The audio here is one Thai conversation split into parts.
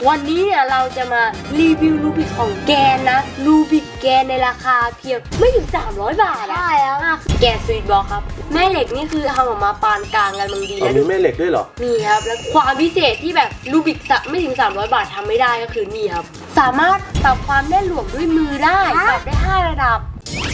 วันนี้เนี่ยเราจะมารีวิวรูบิกของแกนนะรูบิกแกนในราคาเพียงไม่ถึง300 บาทอะใช่แล้วแกนสวีทบอลครับแม่เหล็กนี่คือทำออกมาปานกลางกันบางดีอ๋อแล้วมีแม่เหล็กด้วยเหรอนี่ครับแล้วความพิเศษที่แบบรูบิกไม่ถึง300 บาททำไม่ได้ก็คือนี่ครับสามารถปรับความแน่นหน่วงด้วยมือได้ปรับได้5 ระดับ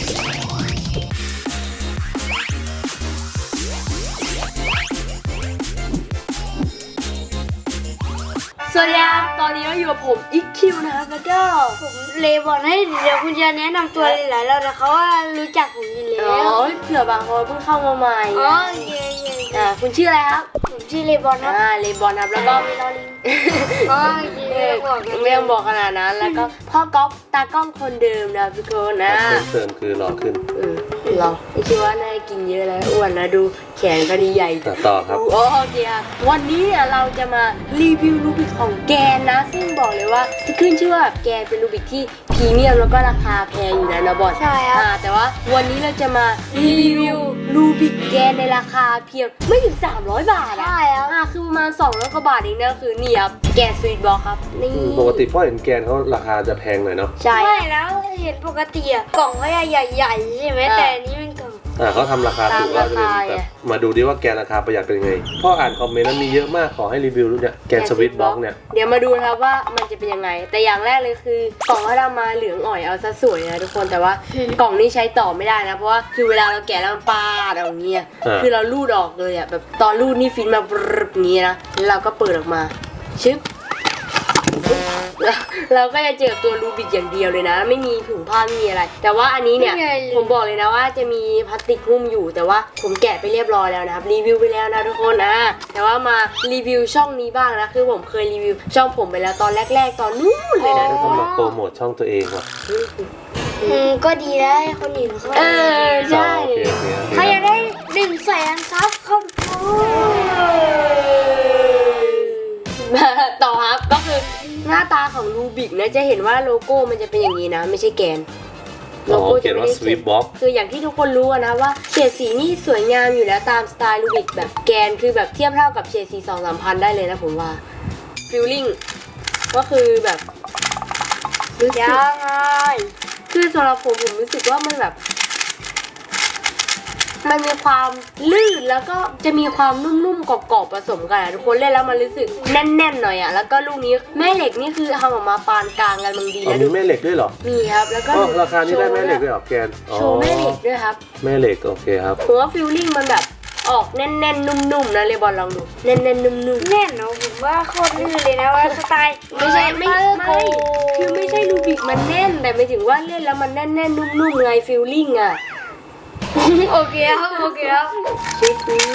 สวัสดีครับตอนนี้เราอยู่กับผมอีคิวนะครับแล้วก็ผมเลบอกให้เดี๋ยวคุณจะแนะนำตัวหลายๆแล้วแต่เขาว่ารู้จักผมอยู่แล้วเผื่อบางคนเพิ่งเข้ามาใหม่อ๋อเย่คุณชื่ออะไรครับผมชื่อเลบอนครับเลบอนครับแล้วก็ลอลิงอ๋อเย่บอกไม่ต้องบอกขนาดนั้นแล้วก็พ่อก๊อฟตากล้องคนเดิมนะทุกคนนะเพิ่มเติมคือหล่อขึ้นเราไม่คิดว่าน่าจะกินเยอะแล้วอ้วนนะดูแขนก็ดีใหญ่ต่อครับโอเคครับวันนี้เนี่ยเราจะมารีวิวรูบิกของแกนนะซึ่งบอกเลยว่าขึ้นชื่อว่าแกนเป็นรูบิกที่พรีเมียมแล้วก็ราคาแพงอยู่นะบอสใช่ครับแต่ว่าวันนี้เราจะมารีวิวรูบิกแกนในราคาเพียงไม่ถึง300 บาทอะใช่แล้วคือประมาณ200 กว่าบาทเองนะคือนี่ครับแกนสวีทบอลครับนี่ปกติพ่อเห็นแกนเขาราคาจะแพงหน่อยเนาะใช่ไม่แล้วเห็นปกติอะกล่องเขาใหญ่ๆใช่ไหมแต่อันนี้เป็นกล่องเขาทำราคาถูกก็จะเป็นแบบมาดูดิว่าแกนราคาประหยัดเป็นยังไง พ่ออ่านคอมเมนต์นั้นมีเยอะมากขอให้รีวิวเนี่ยแกนสวิตบ็อกเนี่ยเดี๋ยวมาดูนะครับว่ามันจะเป็นยังไง แต่อย่างแรกเลยคือกล่องเขาทำมาเหลืองอ่อยเอาซะสวยนะทุกคนแต่ว่ากล่องนี้ใช้ต่อไม่ได้นะเพราะว่าคือเวลาเราแกะแล้วมันปาดออกอย่างเงี้ยคือเราลูดออกเลยอ่ะแบบตอนลูดนี่ฟินมาแบบนี้นะแล้วเราก็เปิดออกมาชึบเราก็จะเจอตัวรูบิกอย่างเดียวเลยนะไม่มีถุงผ้าไม่มีอะไร แต่ว่าอันนี้เนี่ยผมบอกเลยนะว่าจะมีพลาสติกหุ้มอยู่แต่ว่าผมแกะไปเรียบร้อยแล้วนะครับรีวิวไปแล้วนะทุกคนแต่ว่ามารีวิวช่องนี้บ้างนะคือผมเคยรีวิวช่องผมไปแล้วตอนแรกๆตอนนู้นเลยนะแล้วก็มาโปรโมทช่องตัวเองว่ะก็ดีแล้วให้คนอื่นเขาใช่โอเคใครอยากได้100,000ซับเข้าดูต่อครับก็คือหน้าตาของรูบิกนะจะเห็นว่าโลโก้มันจะเป็นอย่างนี้นะไม่ใช่แกนอ๋อเขียนว่าสวิตบ็อกคืออย่างที่ทุกคนรู้นะว่าเฉดสีนี่สวยงามอยู่แล้วตามสไตล์รูบิกแบบแกนคือแบบเทียบเท่ากับเฉดสี2-3 พันได้เลยนะผมว่าฟิลลิ่งก็คือแบบรู้สึกยังไงคือสำหรับผมรู้สึกว่ามันแบบมันมีความลื่นแล้วก็จะมีความนุ่มๆกรอบๆผสมกันทุกคนเล่นแล้วมันรู้สึกแน่นๆหน่อยแล้วก็ลูกนี้แม่เหล็กนี่คือทำออกมาปานกลางกันบางดีอ๋อแล้วมีแม่เหล็กด้วยเหรอมีครับแล้วก็ราคานี้ได้แม่เหล็กด้วยเหรอแกนโชว์แม่เหล็กด้วยครับแม่เหล็กโอเคครับผมว่าฟิลลิ่งมันแบบออกแน่นๆนุ่มๆนะเลยบอลลองดูแน่นๆนุ่มๆแน่นเนาะผมว่าโคตรลื่นเลยนะว่าสไตล์ไม่คือไม่ใช่รูบิกมันแน่นแต่หมายถึงว่าเล่นแล้วมันแน่นๆนุ่มๆไงฟิลลิ่งอ่ะโอเคครับโอเคครับชิค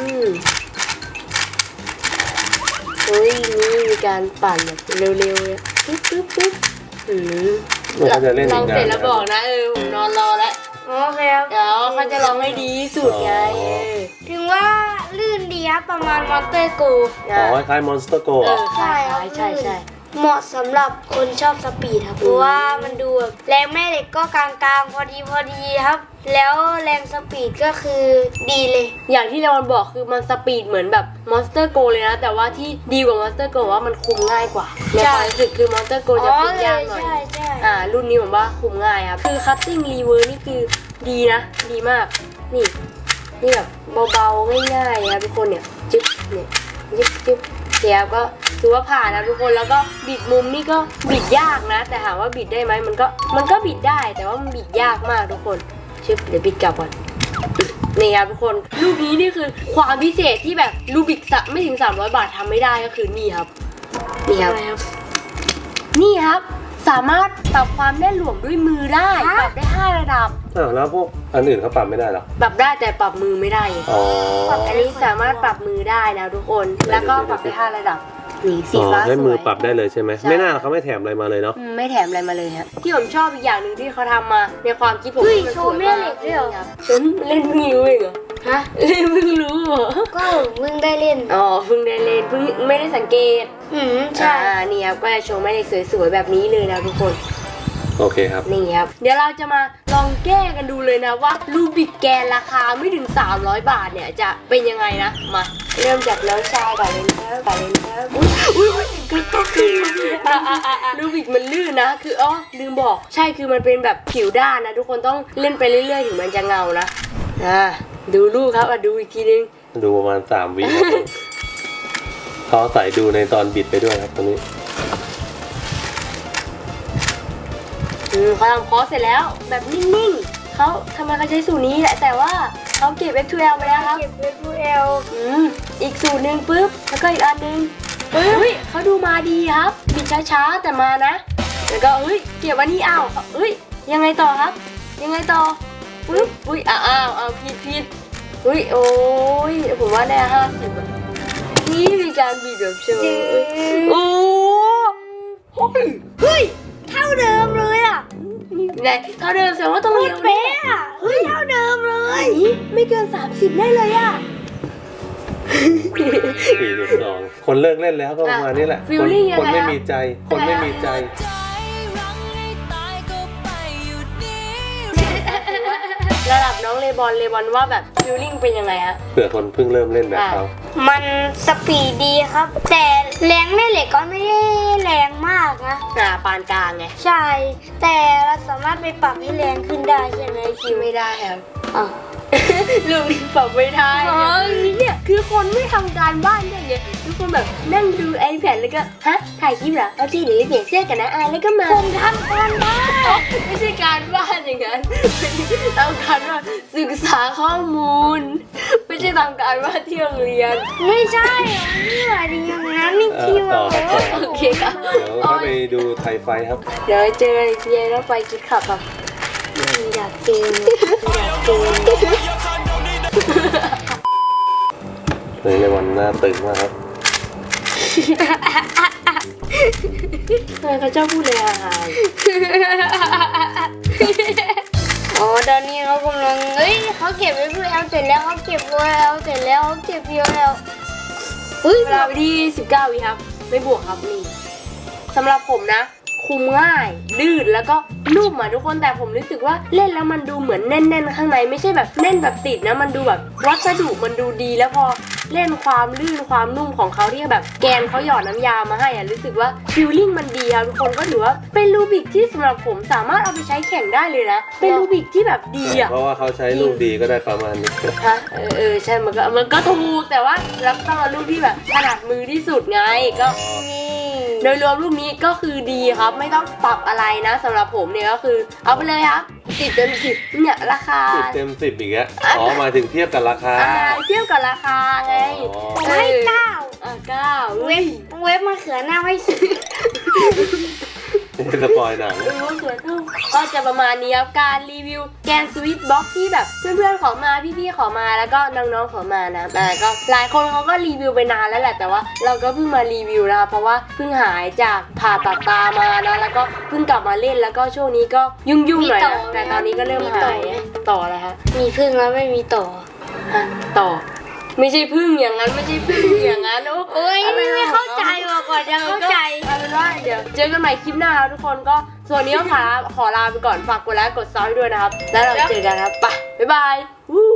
เฮ้ยนี่มีการปั่นแบบเร็วๆเลยปึ๊บเขาจะเล่นลอีองกเสร็จนานแล้วบอกนะผมนอนรอแล้วโอเคครับเดี๋ยวเขาจะลองให้ดีที่สุดไงถึงว่าลื่นดีครับประมาณมอนสเตอร์โกอ๋อคล้ายมอนสเตอร์โกใช่เหมาะสำหรับคนชอบสปีดครับเพราะว่ามันดูแบบแรงแม่เหล็กก็กลางๆพอดีครับ แล้วแรงสปีดก็คือดีเลยอย่างที่เลวอนบอกคือมันสปีดเหมือนแบบมอนสเตอร์โกเลยนะแต่ว่าที่ดีกว่ามอนสเตอร์โกว่ามันคุมง่ายกว่าในความรู้สึกคือมอนสเตอร์โกจะคุมยากหน่อยใช่รุ่นนี้ผมว่าคุมง่ายครับคือคัตติ้งรีเวิร์นี่คือดีนะดีมากนี่แบบเบาๆง่ายๆครับทุกคนเนี่ยจึ๊บเนี่ยจึ๊บเดี๋ยวก็ถือว่าผ่านนะทุกคนแล้วก็บิดมุมนี่ก็บิดยากนะแต่ถามว่าบิดได้ไหมมันก็บิดได้แต่ว่ามันบิดยากมากทุกคนชึบเดี๋ยวบิดกลับก่อนนี่ครับทุกคนลูกนี้นี่คือความพิเศษที่แบบรูบิกไม่ถึง300 บาททำไม่ได้ก็คือนี่ครับนี่ครับสามารถปรับความแน่นหน่วงด้วยมือได้ปรับได้5 ระดับแล้วพวกอันอื่นเขาปรับไม่ได้หรอปรับได้แต่ปรับมือไม่ได้อ๋ออันนี้สามารถปรับมือได้นะทุกคนแล้วก็ปรับได้5 ระดับนี่สีฟ้าสวยให้มือปรับได้เลยใช่ไหมไม่น่าเขาไม่แถมอะไรมาเลยเนาะไม่แถมอะไรมาเลยฮะที่ผมชอบอีกอย่างหนึ่งที่เขาทำมาในความคิดผมเฮ้ยมันโชสวว์ยแม่มากเหล็กด้วยเหรอฉันเล่นเพิ่งรู้เองเหรอฮะเล่นเพิ่งรู้เหรอก็มึงได้เล่นอ๋อเพิ่งได้เล่นเพิ่งไม่ได้สังเกตใช่นี่ครับก็จะโชว์แม่เหล็กสวยๆแบบนี้เลยนะทุกคนโอเคครับนี่ครับเดี๋ยวเราจะมาลองแก้กันดูเลยนะว่ารูบิกแกนราคาไม่ถึง300 บาทเนี่ยจะเป็นยังไงนะมาเริ่มจากน้องชายก่อนเลยนะครับอุ้ยกระตุกรูบิกมันลื่นนะคือลืมบอกใช่คือมันเป็นแบบผิวด้านนะทุกคนต้องเล่นไปเรื่อยๆถึงมันจะเงานะดูลูกครับดูอีกทีนึงดูประมาณ3 วิครับเขาใส่ดูในตอนบิดไปด้วยครับตอนนี้เขาทำคอร์สเสร็จแล้วแบบนิ่งๆเขาทำไมเขาใช้สูตรนี้แหละแต่ว่าเขาเก็บ F2L ไปแล้วครับเก็บไว้ดูเอลอีกสูตรหนึ่งปุ๊บแล้วก็อีกอันหนึ่งปึ๊บเขาดูมาดีครับบิดช้าๆแต่มานะแล้วก็เก็บวันนี้ยังไงต่อครับยังไงต่อปึ๊บผิดโอ้ยผมว่าได้50อะนี่มีการบิดแบบโชว์โอ้เฮ้ยเท่าเดิมเลยอ่ะไหนเท่าเดิมแสดงว่าต้องเร็วเป๊ะอ่ะเท่าเดิมเลยไม่เกิน30ได้เลยอ่ะ 42คนเลิกเล่นแล้วก็ประมาณนี้แหละ feeling ยังไงคนไม่มีใจคนไม่มีใจระดับน้องเลบอนว่าแบบฟิลลิ่งเป็นยังไงฮะเผื่อคนเพิ่งเริ่มเล่นแบบเขามันสปีดดีครับ แต่แรงแม่เหล็กก็ไม่ได้แรงมากนะปานกลางไงใช่ แต่เราสามารถไปปรับให้แรงขึ้นได้ใช่ไหมคิวไม่ได้ครับอ่ะลูกนี่ปรับไม่ได้เนี่ยคือคนไม่ทำการบ้านอย่างเงี้ยทุกคนแบบนั่งดู iPad แล้วก็ถ่ายคลิปเหรอโอเคเดี๋ยวเปลี่ยนเสื้อกันนะแล้วก็มาผมทำการบ้านไม่ใช่การบ้านอย่างนั้นต้องการว่าศึกษาข้อมูล ไม่ใช่ทำการบ้านที่โรงเรียนไม่ใช่ไม่หมายถึงอย่างนั้นนี่คิวต่อครับต่อโอเคครับเดี๋ยวเข้าไปดูไทยไฟครับเดี๋ยวเจอกันอีกทีรถไฟคิดขับครับอยากเจออยากเจอเลยในวันหน้าตึงมากครับทำไมเขาชอบพูดเลยอาหารอ๋อตอนนี้เขากำลังเขาเก็บไว้เพื่อเอาเสร็จแล้วเขาเก็บไว้เอาเสร็จแล้วเขาเก็บเยอะแล้วเวลาไปที่19 วิครับไม่บวกครับนี่สำหรับผมนะ คุมง่ายดืดแล้วก็นุ่มอ่ะทุกคนแต่ผมรู้สึกว่าเล่นแล้วมันดูเหมือนแน่นๆข้างในไม่ใช่แบบแน่นแบบติดนะมันดูแบบวัสดุมันดูดีแล้วพอเล่นความลื่นความนุ่มของเขาที่แบบแกนเขาหยอดน้ำยามาให้อ่ะรู้สึกว่าฟิลลิ่งมันดีครับทุกคนก็ถือว่าเป็นรูบิกที่สำหรับผมสามารถเอาไปใช้แข่งได้เลยนะเป็นรูบิกที่แบบดีอ่ะเพราะว่าเขาใช้ลูกดีก็ได้ประมาณนี้ฮะใช่มันก็ถูกแต่ว่ารับต้องเอาลูกที่แบบถนัดมือที่สุดไงก็โดยรวมลูกนี้ก็คือดีครับไม่ต้องปรับอะไรนะสำหรับผมเนี่ยก็คือเอาไปเลยครับ10 เต็ม 10เนี่ยราคา 10 เต็ม 10อีกแล้วหมายถึงเทียบกับราคาเทียบกับราคาไงให้9 9 เว็บมะเขือหน้าให้10 สปอยหนังก็จะประมาณนี้ครับการรีวิวแกนสวิตบ็อกที่แบบเพื่อนๆขอมาพี่ๆขอมาแล้วก็น้องๆขอมานะก็หลายคนเขาก็รีวิวไปนานแล้วแหละแต่ว่าเราก็เพิ่งมารีวิวนะคะเพราะว่าเพิ่งหายจากผ่าตัดตามานะแล้วก็เพิ่งกลับมาเล่นแล้วก็ช่วงนี้ก็ยุ่งๆหน่อยนะแต่ตอนนี้ก็เริ่มหายต่ออะไรฮะมีพึ่งแล้วไม่มีต่อต่อไม่ใช่พึ่งอย่างนั้นไม่ใช่พึ่งอย่างนั้นโอ้ยไม่เข้าใจว่ะก่อนจะเข้าใจเอาเป็นว่าเดี๋ยวเจอกันใหม่คลิปหน้าครับทุกคนก็ส่วนนี้ก็ขอลาไปก่อนฝากกดไลค์กดซับให้ด้วยนะครับแล้วเราเจอกันครับไปบ๊ายบายวู้